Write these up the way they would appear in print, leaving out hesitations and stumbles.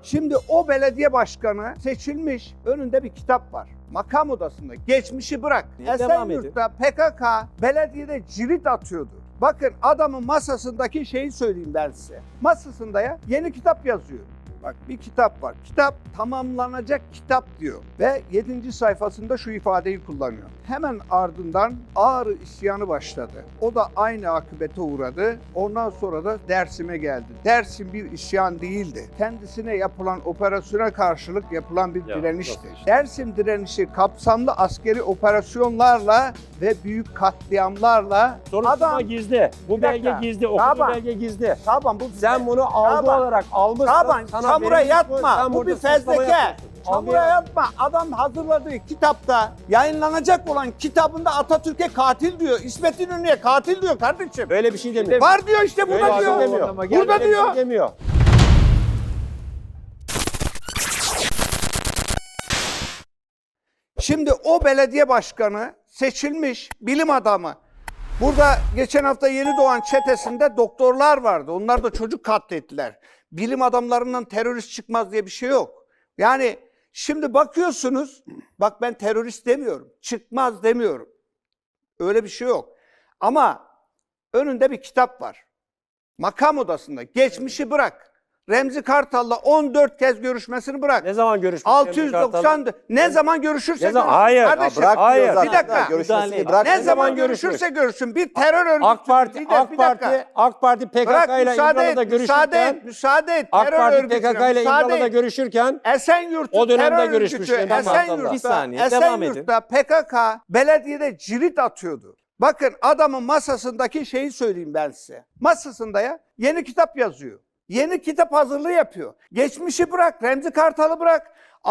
Şimdi o belediye başkanı seçilmiş, önünde bir kitap var. Makam odasında. Geçmişi bırak. Esenyurt'ta PKK belediyede cirit atıyordu. Bakın adamın masasındaki şeyi söyleyeyim ben size. Masasında yeni kitap yazıyor. Bak bir kitap var. Kitap tamamlanacak kitap diyor. Ve 7. sayfasında şu ifadeyi kullanıyor. Hemen ardından Ağrı isyanı başladı. O da aynı akıbete uğradı. Ondan sonra da Dersim'e geldi. Dersim bir isyan değildi. Kendisine yapılan operasyona karşılık yapılan bir direnişti. Dersim direnişi kapsamlı askeri operasyonlarla ve büyük katliamlarla Soruşturma gizli. Bu belge gizli. Okuduğu belge gizli. Tamam bu Sen bunu algı olarak almışsın. Tamam sana çamura verilmiş yatma. bu. Bu bir fezleke. Çamura yatma. Adam hazırladığı kitapta, yayınlanacak olan kitabında Atatürk'e katil diyor. İsmet İnönü'ye katil diyor kardeşim. Böyle bir şey demiyor. Var diyor işte burada Böyle bir diyor. şey demiyor. Burada Böyle bir diyor. şey demiyor. Şimdi o belediye başkanı seçilmiş bilim adamı. Burada geçen hafta yeni doğan çetesinde doktorlar vardı. Onlar da çocuk katlettiler. Bilim adamlarından terörist çıkmaz diye bir şey yok. Yani şimdi bakıyorsunuz, bak ben terörist demiyorum, çıkmaz demiyorum. Öyle bir şey yok. Ama önünde bir kitap var. Makam odasında. Geçmişi bırak. Remzi Kartal'la 14 kez görüşmesini bırak. Ne zaman görüşmüş? 690 ne zaman görüşürse görüşsün. Hayır. Kardeşim, Bırak diyor Hayır. zaten. Bir dakika. Görüşmesini bırak. ne Ne zaman zaman görüşürse görüşsün. Bir terör örgütü. AK Parti PKK Bırak ile İmralı'da görüşürken müsaade et. AK Terör Parti örgütüne PKK ile müsaade İmralı'da et. görüşürken Esenyurt'ta o dönemde terör görüşmüş örgütü, Menderes Kartal'la. Bir saniye, devam edin. Esenyurt'ta PKK belediyede cirit atıyordu. Bakın adamın masasındaki şeyi söyleyeyim ben size. Masasında yeni kitap yazıyor. Yeni kitap hazırlığı yapıyor. Geçmişi bırak, Remzi Kartal'ı bırak.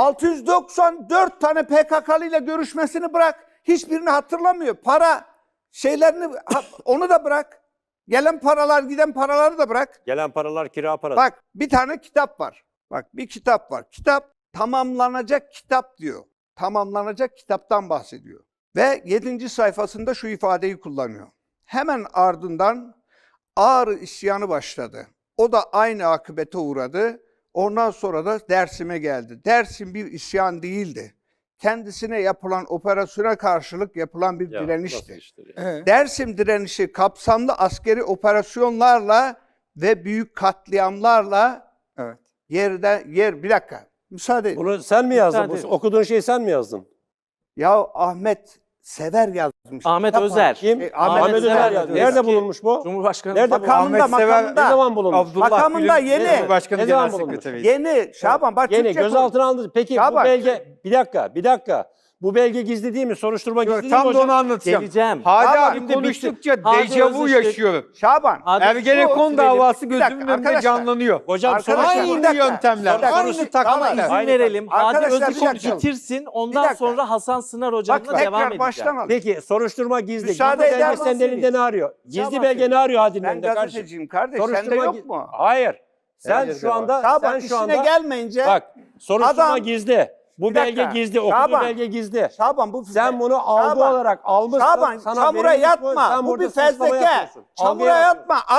694 tane PKK'lı ile görüşmesini bırak. Hiçbirini hatırlamıyor. Para şeylerini onu da bırak. Gelen paralar, giden paraları da bırak. gelen paralar kira parası. Bak bir tane kitap var. Bak bir kitap var. Kitap tamamlanacak kitap diyor. Tamamlanacak kitaptan bahsediyor. Ve 7. sayfasında şu ifadeyi kullanıyor. Hemen ardından Ağrı isyanı başladı. O da aynı akıbete uğradı. Ondan sonra da Dersim'e geldi. Dersim bir isyan değildi. Kendisine yapılan operasyona karşılık yapılan bir direnişti. Dersim direnişi kapsamlı askeri operasyonlarla ve büyük katliamlarla bir dakika müsaade edin. Bunu sen mi yazdın? Okuduğun şeyi sen mi yazdın? Ya Ahmet Sever yazmış. Ahmet Kitap Özer. var. Kim? Ahmet Özer Özer. yazdı. Nerede bulunmuş bu? Cumhurbaşkanı Nerede Makamında, Ne zaman bulunmuş? Makamında yeni. Ne zaman bulunmuş? Yeni. Şaban bak Yeni Türkçe gözaltına alındı. Peki Ya bu bak, belge bir dakika. Bu belge gizli değil mi? Soruşturma gizli değil mi Tam da hocam? onu anlatacağım. Geleceğim. Hadi Şaban, abi şimdi konuştukça Hadi dejavu Özışık. yaşıyorum. Şaban. Ergenekon davası Bir dakika, gözümün önünde arkadaşlar. canlanıyor. Hocam Arkadaşlar, sonuçta bir Aynı dakika. yöntemler. Bir dakika. Aynı İzin Tamam. verelim. Hadi Arkadaşlar, bir Özışık dakika. bitirsin. Bir Ondan dakika. sonra Hasan Sınar Bak hocamla devam tekrar edeceğim. baştan al. Peki soruşturma gizli. Müsaade Gizli eder belge senin misiniz? elinde ne arıyor? Gizli Şaban belge ne arıyor Hadi'nin Ben elinde kardeşim? gazeteciyim kardeş. Sende yok mu? Hayır. Sen Herkese şu var. anda Şaban işine gelmeyince bak soruşturma Adam- gizli. Bu Bir belge dakika. gizli. Okuduğu Şaban. belge gizli. Şaban bu Sen bunu algı Şaban. olarak almışsın. Şaban sana çamura verilmiş yatma. sen Bu burada bir suçlama fezleke. yapıyorsun. Algı Çamura yaratıyorsun. yatma.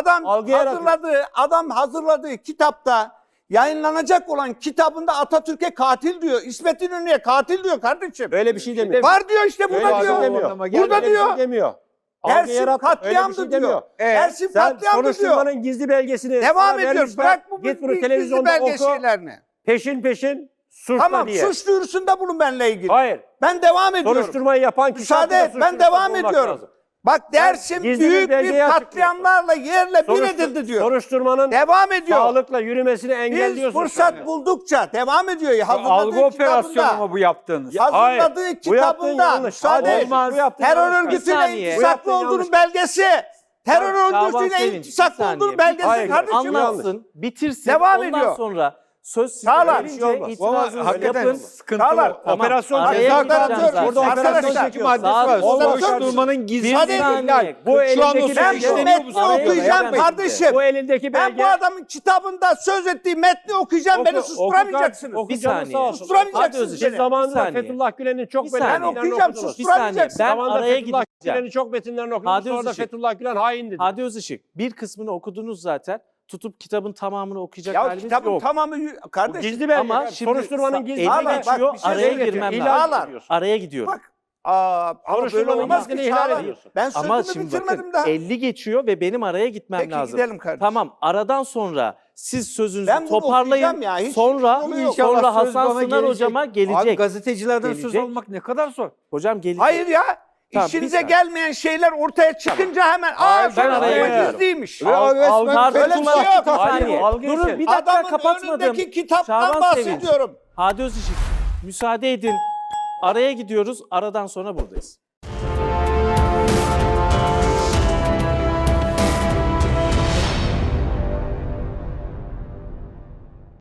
Adam Algı hazırladığı kitapta yayınlanacak olan kitabında Atatürk'e katil diyor. İsmet İnönü'ye katil diyor kardeşim. Böyle bir şey demiyor. Var diyor işte Böyle burada bir şey diyor. demiyor. Burada Böyle bir şey diyor. demiyor. Algı Dersim yaratma. Öyle bir katliamdı şey diyor. demiyor. Dersim Sen katliamdı diyor. soruşturmanın gizli belgesini Devam sana ediyor. vermişler. Bırak bu Git bunu gizli televizyonda belge oku. şeylerini. Peşin suçla Tamam diye. suç duyurusunda bulun benimle ilgili. Hayır. Ben devam ediyorum. Soruşturmayı yapan kişi Müsaade hakkında et ben suçlulukta devam bulunmak ediyorum. lazım. Bak Dersim gizli bir büyük bir belgeyi katliamlarla yerle bir edildi diyor. Soruşturmanın Devam ediyor. sağlıkla yürümesini Biz engelliyorsun. fırsat buldukça devam ediyor. Hazırladığı Algı operasyonu kitabında, mu bu yaptığınız? hazırladığı Bu yaptığın kitabında yanlış. müsaade et. Olmaz. Bu yaptığın Terör yanlış. Bir örgütüyle saniye. Bu iltisaklı yaptığın olduğunun yanlış. belgesi. Terör Şaban örgütüyle Sevinç, bir iltisaklı saniye. olduğunun belgesi Hayır, kardeşim. Anlatsın, bitirsin. Devam Ondan ediyor. sonra söz size Sağlar. verince Olmaz. itirazınızı Hakikaten yapın. sıkıntılı. Sağlar. Tamam. Operasyon Araya ceza gireceğim kararı zaten. Burada operasyon Arkadaşlar, çekiyor. maddesi var. Olmaz. Soruşturmanın gizli Bir saniye. Bu Şu an o elindeki Ben suç bu işleniyor metni bu okuyacağım Yapmayın. kardeşim. Bu elindeki Ben belge. bu adamın kitabında söz ettiği metni okuyacağım. Beni susturamayacaksınız. Bir saniye. Susturamayacaksınız Hadi beni. Siz zamanında Bir saniye. Fethullah Gülen'in çok Bir saniye. Ben metinlerini okuyacağım, okudunuz. Bir saniye. Ben Zamanında araya Fethullah gideceğim. Gülen'in çok metinlerini okudunuz. Hadi Sonra da Özışık. Fethullah Gülen hain dedi. Hadi Özışık. Bir kısmını okudunuz zaten. tutup kitabın tamamını okuyacak Ya halimiz kitabın yok. tamamı Bu kardeşim. gizli belge. Ama Yani şimdi soruşturmanın gizli eli Ağlar, belgesi. bak, geçiyor, bir şey araya söyleyeceğim. girmem İhlal lazım. Ağlar. Araya gidiyorum. Bak ama böyle Soruşturmanın olmaz gizliliğini ki ihlal Çağlar. ediyorsun. Ben Ama sözümü şimdi bitirmedim bakın daha. 50 geçiyor ve benim araya gitmem Peki lazım. gidelim kardeşim. Tamam, aradan sonra siz sözünüzü Ben bunu toparlayın. okuyacağım ya, hiç Sonra yolu yok. İnşallah sonra söz Hasan bana Sınar gelecek. hocama gelecek. Abi gazetecilerden söz Gelecek. almak ne kadar zor. Hocam gelecek. Hayır ya. Tamam, İşinize bir saniye. gelmeyen şeyler ortaya çıkınca hemen Hayır, ben soruşturma araya giriyorum. gizliymiş. Resmen öyle bir şey yok. Bir saniye. Algı Durun için. bir dakika Adamın kapatmadım. önündeki kitaptan Şaban Sevinç. bahsediyorum. Hadi Özışık müsaade edin. Araya gidiyoruz. Aradan sonra buradayız.